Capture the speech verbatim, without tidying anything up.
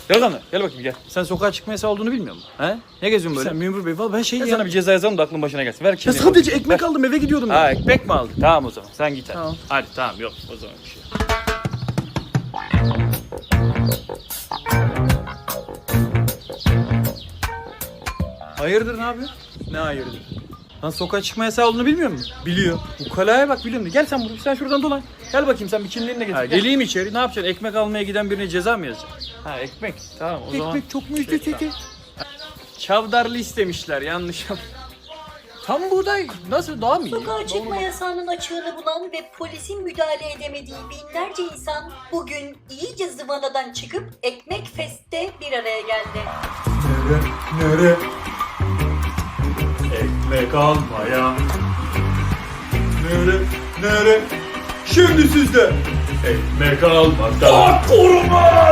Gel lan. Gel bakayım gel. Sen sokağa çıkma yasağı olduğunu bilmiyor musun? He? Ne geziyorsun böyle? Sen memur bey valla ben şey Ben ya. sana bir ceza yazalım da aklın başına gelsin. Ver Ya kimliğini. sadece bakayım. ekmek Ver. aldım eve gidiyordum Ha ya. ekmek mi aldın? Tamam o zaman. Sen git hadi. Tamam. Hadi tamam yok o zaman bir şey. Hayırdır ne yapıyorsun? Ne hayırdır? Lan sokağa çıkma yasağı olduğunu bilmiyor musun? Biliyor. Ukalaya bak biliyorum. Gel sen buraya, sen şuradan dolan. Gel bakayım sen bir kimliğini de getir. Ha, Gel. geleyim içeri ne yapacaksın? Ekmek almaya giden birine ceza mı yazacaksın? Ha ekmek. Tamam o zaman. Ekmek çok mu üstü Tamam. teki? Çavdarlı istemişler yanlış yap. Tam buğday nasıl daha mı iyi? Sokağa çıkma yasağının açığını bulan ve polisin müdahale edemediği binlerce insan bugün iyice zıvanadan çıkıp Ekmek Fest'te bir araya geldi. Nere? Nere? Ekmek almaya. Nere? Nere? Şimdi sizde. Ekmek almakta. Koruma!